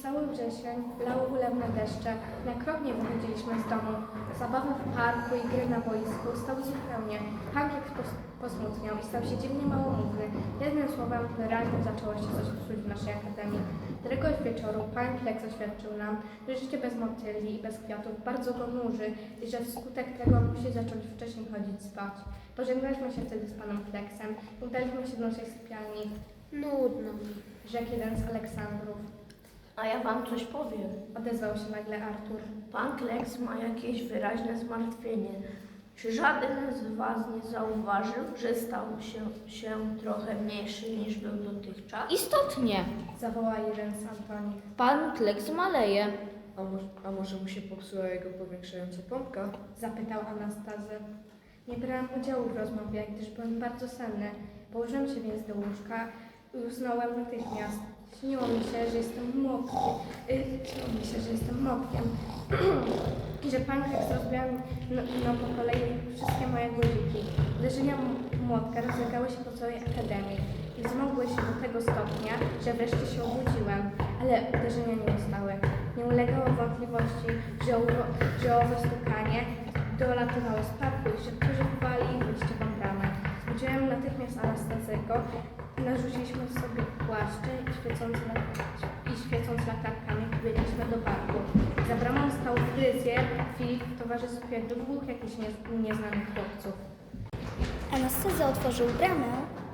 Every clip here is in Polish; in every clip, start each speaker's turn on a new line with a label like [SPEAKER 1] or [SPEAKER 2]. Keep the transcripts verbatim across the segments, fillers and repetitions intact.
[SPEAKER 1] cały wrzesień, lało ulewne deszcze, na krok nie wychodziliśmy z domu. Zabawy w parku i gry na boisku stały zupełnie. Hankiek pos- posmutniał i stał się dziwnie małomówny. Jednym słowem, wyraźnie zaczęło się coś psuć w naszej akademii. Któregoś wieczoru pan Kleks oświadczył nam, że życie bez motyli i bez kwiatów bardzo go nuży i że wskutek tego musi zacząć wcześniej chodzić spać. Pożegnaliśmy się wtedy z panem Kleksem i udaliśmy się do naszej sypialni.
[SPEAKER 2] Nudno mi.
[SPEAKER 1] Rzekł jeden z Aleksandrów.
[SPEAKER 3] A ja wam coś powiem.
[SPEAKER 1] Odezwał się nagle Artur.
[SPEAKER 3] Pan Kleks ma jakieś wyraźne zmartwienie. Czy żaden z was nie zauważył, że stał się, się trochę mniejszy niż był dotychczas?
[SPEAKER 4] Istotnie,
[SPEAKER 1] Zawołał jeden z Antonich.
[SPEAKER 4] pan Kleks maleje.
[SPEAKER 2] A może, a może mu się popsuła jego powiększająca pompka?
[SPEAKER 1] Zapytał Anastazy. Nie brałam udziału w rozmowie, gdyż byłem bardzo senny. Położyłem się więc do łóżka i usnąłem natychmiast. Śniło mi się, że jestem młotkiem. Yy, śniło mi się, że jestem młotkiem. I że pan Kleks rozbijał no, no po kolei wszystkie moje guziki. Uderzenia m- młotka rozlegały się po całej akademii i wzmogły się do tego stopnia, że wreszcie się obudziłem. Ale uderzenia nie ustały. Nie ulegało wątpliwości, że, owo, że owo stukanie dolatywało z parku i że którzy chwali wyjściową bramę. Zbudziłem natychmiast Anastazego i narzuciliśmy sobie płaszcze i świecąc, i świecąc latarkami pobiegliśmy do parku. Za bramą stał fryzjer Filip w towarzystwie dwóch jakichś nie, nieznanych chłopców.
[SPEAKER 5] Anastaza otworzył bramę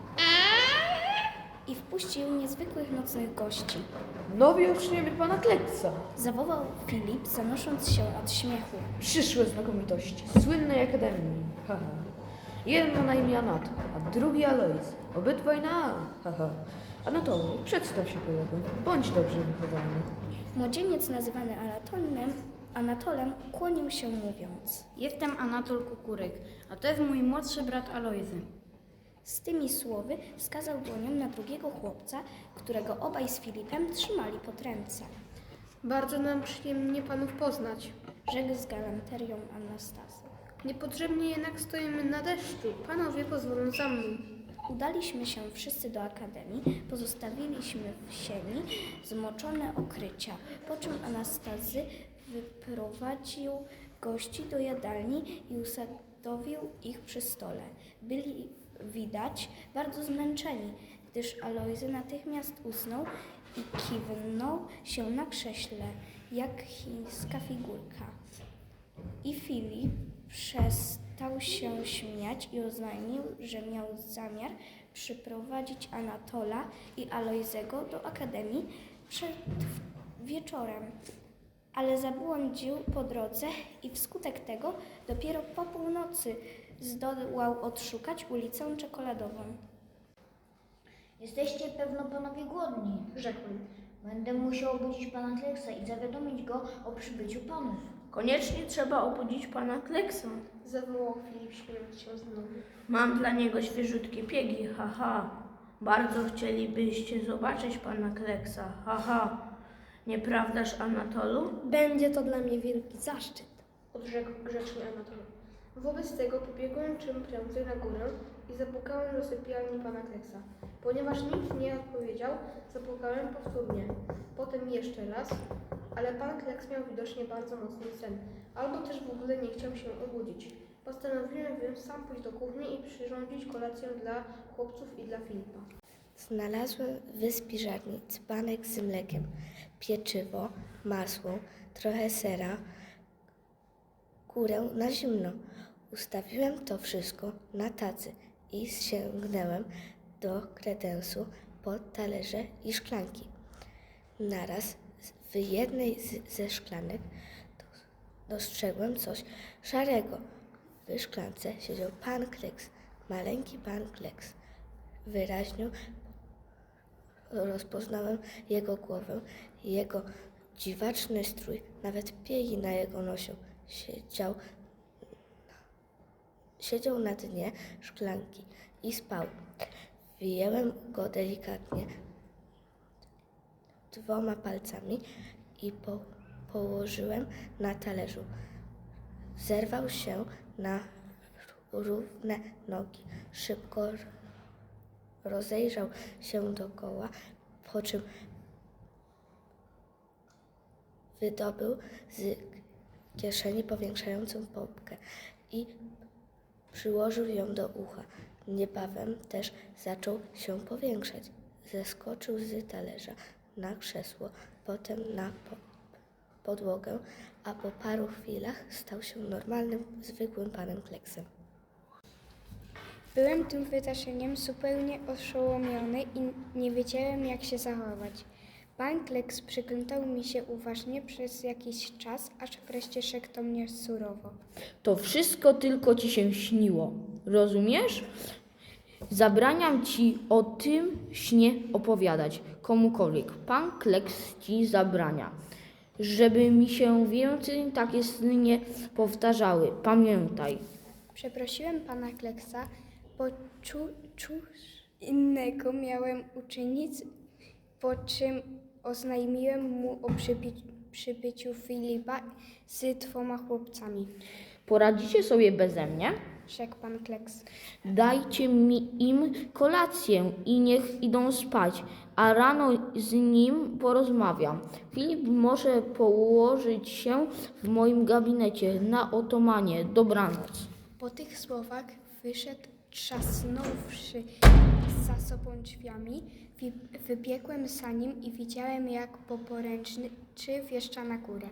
[SPEAKER 5] i wpuścił niezwykłych nocnych gości.
[SPEAKER 2] Nowi uczniowie pana Kleksa.
[SPEAKER 5] Zawołał Filip, zanosząc się od śmiechu.
[SPEAKER 2] Przyszłe znakomitości słynnej akademii. Haha. Jeden ma na imię Anat, a drugi Alois. Obydwaj na A. Haha. Anatolij, przedstaw się kolego. Bądź dobrze wychowany.
[SPEAKER 5] Młodzieniec nazywany Anatolem, Anatolem kłonił się mówiąc.
[SPEAKER 4] Jestem Anatol Kukuryk, a to jest mój młodszy brat Alojzy.
[SPEAKER 5] Z tymi słowy wskazał dłonią na drugiego chłopca, którego obaj z Filipem trzymali pod ręce.
[SPEAKER 6] Bardzo nam przyjemnie panów poznać.
[SPEAKER 5] Rzekł z galanterią Anastazy.
[SPEAKER 6] Niepotrzebnie jednak stoimy na deszczu. Panowie pozwolą za mną.
[SPEAKER 5] Udaliśmy się wszyscy do akademii, pozostawiliśmy w sieni zmoczone okrycia, po czym Anastazy wyprowadził gości do jadalni i usadowił ich przy stole. Byli widać bardzo zmęczeni, gdyż Alojzy natychmiast usnął i kiwnął się na krześle, jak chińska figurka. I Filip przestał się śmiać i oznajmił, że miał zamiar przyprowadzić Anatola i Alojzego do akademii przed wieczorem, ale zabłądził po drodze i wskutek tego dopiero po północy zdołał odszukać ulicę Czekoladową.
[SPEAKER 7] Jesteście pewno panowie głodni,
[SPEAKER 6] Rzekłem.
[SPEAKER 7] Będę musiał obudzić pana Kleksa i zawiadomić go o przybyciu panów.
[SPEAKER 3] Koniecznie trzeba obudzić pana Kleksa.
[SPEAKER 6] Zawołał Filip, śmiejąc się znowu.
[SPEAKER 3] Mam dla niego świeżutkie piegi, haha. Bardzo chcielibyście zobaczyć pana Kleksa, haha. Nieprawdaż, Anatolu?
[SPEAKER 2] Będzie to dla mnie wielki zaszczyt.
[SPEAKER 6] Odrzekł grzecznie Anatol. Wobec tego pobiegłem czym prędzej na górę i zapukałem do sypialni pana Kleksa. Ponieważ nikt nie odpowiedział, zapukałem powtórnie. Potem jeszcze raz, ale pan Kleks miał widocznie bardzo mocny sen, albo też w ogóle nie chciał się obudzić. Postanowiłem więc sam pójść do kuchni i przyrządzić kolację dla chłopców i dla Filipa.
[SPEAKER 5] Znalazłem w spiżarni dzbanek z mlekiem, pieczywo, masło, trochę sera, kurę na zimno. Ustawiłem to wszystko na tacy i sięgnąłem do kredensu po talerze i szklanki. Naraz w jednej z, ze szklanek dostrzegłem coś szarego. W szklance siedział pan Kleks, maleńki pan Kleks. Wyraźnie rozpoznałem jego głowę, jego dziwaczny strój, nawet piegi na jego nosie. Siedział, siedział na dnie szklanki i spał. Wyjęłem go delikatnie dwoma palcami i po, położyłem na talerzu. Zerwał się na równe nogi. Szybko rozejrzał się dookoła, po czym
[SPEAKER 3] wydobył z kieszeni powiększającą pompkę i przyłożył ją do ucha. Niebawem też zaczął się powiększać. Zeskoczył z talerza na krzesło, potem na po podłogę, a po paru chwilach stał się normalnym, zwykłym panem Kleksem.
[SPEAKER 8] Byłem tym wydarzeniem zupełnie oszołomiony i nie wiedziałem, jak się zachować. Pan Kleks przyglądał mi się uważnie przez jakiś czas, aż wreszcie rzekł do mnie surowo.
[SPEAKER 2] To wszystko tylko ci się śniło. Rozumiesz? Zabraniam ci o tym śnie opowiadać komukolwiek. Pan Kleks ci zabrania, żeby mi się więcej takie sny nie powtarzały. Pamiętaj.
[SPEAKER 8] Przeprosiłem pana Kleksa, bo czu, cóż innego miałem uczynić, po czym oznajmiłem mu o przybi- przybyciu Filipa z dwoma chłopcami,
[SPEAKER 2] Poradzicie sobie beze mnie?
[SPEAKER 8] rzekł pan Kleks.
[SPEAKER 2] Dajcie mi im kolację i niech idą spać, a rano z nim porozmawiam. Filip może położyć się w moim gabinecie na otomanie. Dobranoc.
[SPEAKER 8] Po tych słowach wyszedł, trzasnąwszy za sobą drzwiami. Wi- Wybiegłem za nim i widziałem, jak poporęczny czy wjeżdża na górę.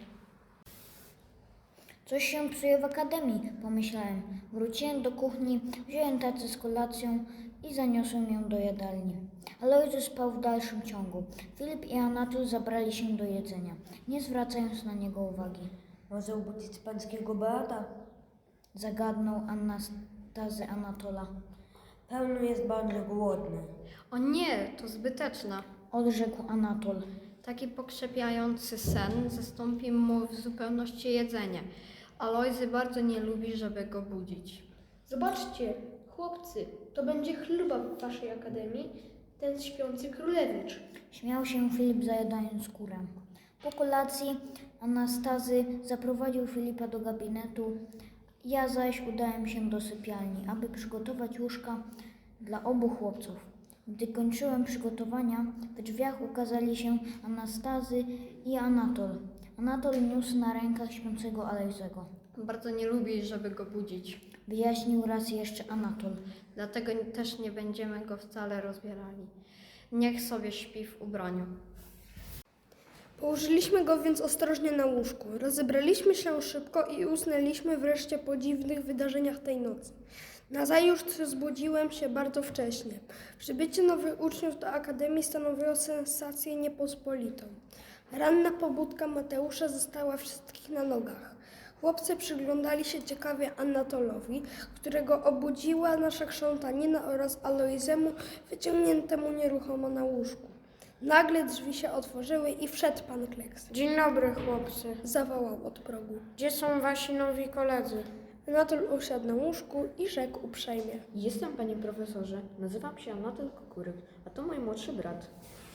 [SPEAKER 7] Coś się psuje w akademii, pomyślałem. Wróciłem do kuchni, wziąłem tacę z kolacją i zaniosłem ją do jadalni. Alojzy spał w dalszym ciągu. Filip i Anatol zabrali się do jedzenia, nie zwracając na niego uwagi.
[SPEAKER 9] Może obudzić pańskiego Beata?
[SPEAKER 7] Zagadnął Anastazy Anatola.
[SPEAKER 9] Pełno jest bardzo głodny.
[SPEAKER 4] O nie, to zbyteczne.
[SPEAKER 7] Odrzekł Anatol.
[SPEAKER 4] Taki pokrzepiający sen zastąpi mu w zupełności jedzenie. Alojzy bardzo nie lubi, żeby go budzić.
[SPEAKER 6] Zobaczcie, chłopcy, to będzie chluba w waszej akademii, ten śpiący królewicz.
[SPEAKER 7] Śmiał się Filip, zajadając kurę. Po kolacji Anastazy zaprowadził Filipa do gabinetu. Ja zaś udałem się do sypialni, aby przygotować łóżka dla obu chłopców. Gdy kończyłem przygotowania, w drzwiach ukazali się Anastazy i Anatol. Anatol niósł na rękach śpiącego Alojzego.
[SPEAKER 4] Bardzo nie lubi, żeby go budzić.
[SPEAKER 7] Wyjaśnił raz jeszcze Anatol.
[SPEAKER 4] Dlatego też nie będziemy go wcale rozbierali. Niech sobie śpi w ubraniu.
[SPEAKER 6] Położyliśmy go więc ostrożnie na łóżku. Rozebraliśmy się szybko i usnęliśmy wreszcie po dziwnych wydarzeniach tej nocy. Nazajutrz zbudziłem się bardzo wcześnie. Przybycie nowych uczniów do akademii stanowiło sensację niepospolitą. Ranna pobudka Mateusza została wszystkich na nogach. Chłopcy przyglądali się ciekawie Anatolowi, którego obudziła nasza krzątanina, oraz Alojzemu wyciągniętemu nieruchomo na łóżku. Nagle drzwi się otworzyły i wszedł pan Kleks.
[SPEAKER 8] Dzień dobry, chłopcy.
[SPEAKER 6] Zawołał od progu.
[SPEAKER 8] Gdzie są wasi nowi koledzy?
[SPEAKER 6] Anatol usiadł na łóżku i rzekł uprzejmie.
[SPEAKER 2] Jestem, panie profesorze. Nazywam się Anatol Kukuryk, a to mój młodszy brat.